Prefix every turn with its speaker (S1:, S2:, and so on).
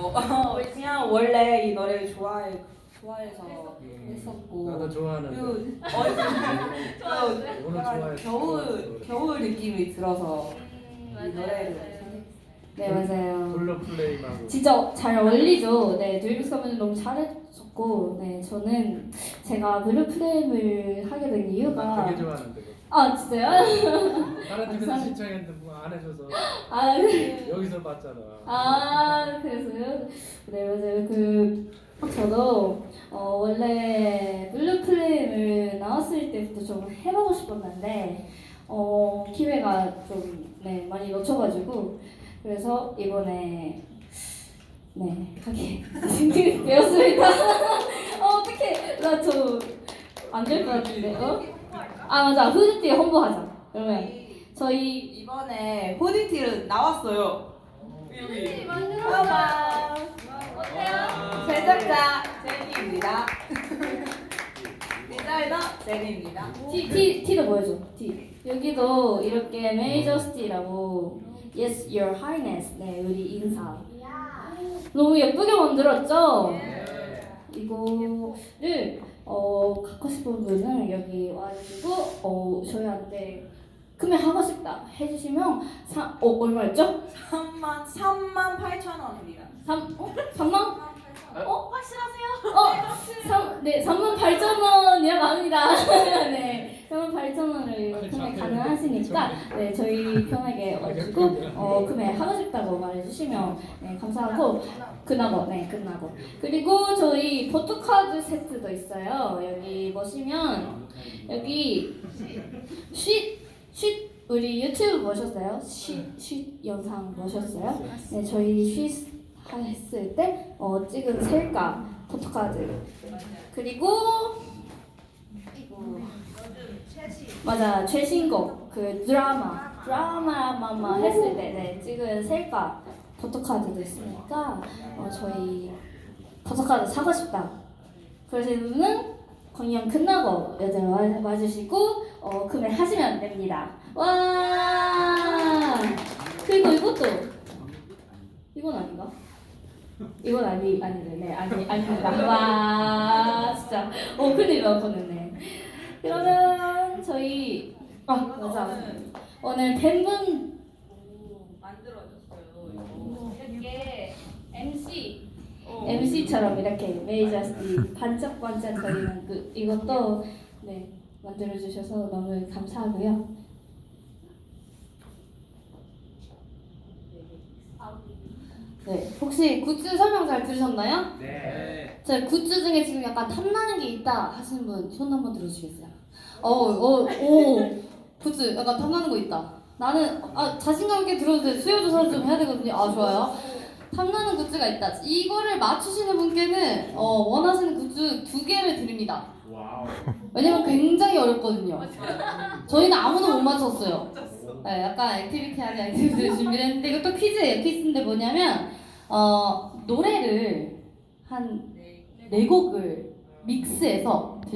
S1: 그냥 원래 이 노래를 좋아해서 했었고
S2: 나도 좋아하는데.
S1: 그 약간 겨울 느낌이 들어서 이 노래를
S3: 네 맞아요.
S2: 블루 플레임하고.
S3: 진짜 잘 어울리죠. 네, 드림스 가면 너무 잘해줬고, 네 저는 제가 블루 프레임을 하게 된
S2: 나
S3: 이유가
S2: 되게 좋아하는데. 그거.
S3: 아 진짜요?
S2: 다른 팀에서 신청했는데 뭐 안 해줘서
S3: 아,
S2: 여기서 봤잖아.
S3: 아 그래서요? 네 맞아요. 저도 원래 블루 프레임을 나왔을 때부터 좀 해보고 싶었는데 기회가 좀 네, 많이 놓쳐가지고 그래서 이번에 네 하게 되었습니다. 어떡해 나 저 안 될 것 같은데 아 맞아 후드티 홍보하자. 그러면 저희
S1: 이번에 후드티를 나왔어요. 여기
S3: 만들었어요. 어때요?
S1: 제작자 제니입니다. 디자이너 제니입니다.
S3: 티도 보여줘. 티. 여기도 이렇게 메이저스티라고 Yes, Your Highness. 네, 우리 인사. 너무 예쁘게 만들었죠? 이거를 갖고 싶은 분은 여기 와가지고 저희한테 구매하고 싶다 해주시면 얼마였죠?
S1: 38,000원입니다.
S3: 3만? 확실하세요? 네, 38,000원이라고 합니다. 네, 38,000원을 구매 가능하시니까 네, 저희 편하게 와가지고 구매하고 싶다고 말해주시면 네, 감사하고 끝나고. 그리고 저희 포토카드 세트도 있어요. 여기 보시면 여기 쉿 우리 유튜브 보셨어요? 쉿 영상 보셨어요? 네, 저희 쉿 했을 때 찍은 셀카 포토카드 그리고 맞아 최신곡 그 드라마만 했을 때 네, 찍은 셀카 포토카드도 있으니까 저희 포토카드 사고 싶다 그러시는 분은 공연 끝나고 여자 와주시고 구매하시면 됩니다. 와 그리고 이것도 이건 아닌가? 이건 아닙니다. 와 진짜 큰일 날 뻔했네. 그러면 저희 맞아 오늘 팬분
S1: 만들어줬어요.
S3: 이렇게 MC처럼 이렇게 메이저스티 반짝반짝거리는 이것도 네 만들어 주셔서 너무 감사하고요. 네, 혹시 굿즈 설명 잘 들으셨나요?
S2: 네.
S3: 제 굿즈 중에 지금 약간 탐나는 게 있다 하시는 분 손 한번 들어주시겠어요? 굿즈 약간 탐나는 거 있다. 나는 자신감 있게 들어도 돼. 수요 조사를 좀 해야 되거든요. 좋아요. 탐나는 굿즈가 있다. 이거를 맞추시는 분께는 원하시는 굿즈 2개를 드립니다.
S2: 와우.
S3: 왜냐면 굉장히 어렵거든요. 저희는 아무도 못 맞췄어요. 네, 약간 액티비티하게 액티비티를 준비했는데 이것도 퀴즈예요. 퀴즈인데 뭐냐면 노래를 한 4곡을 믹스해서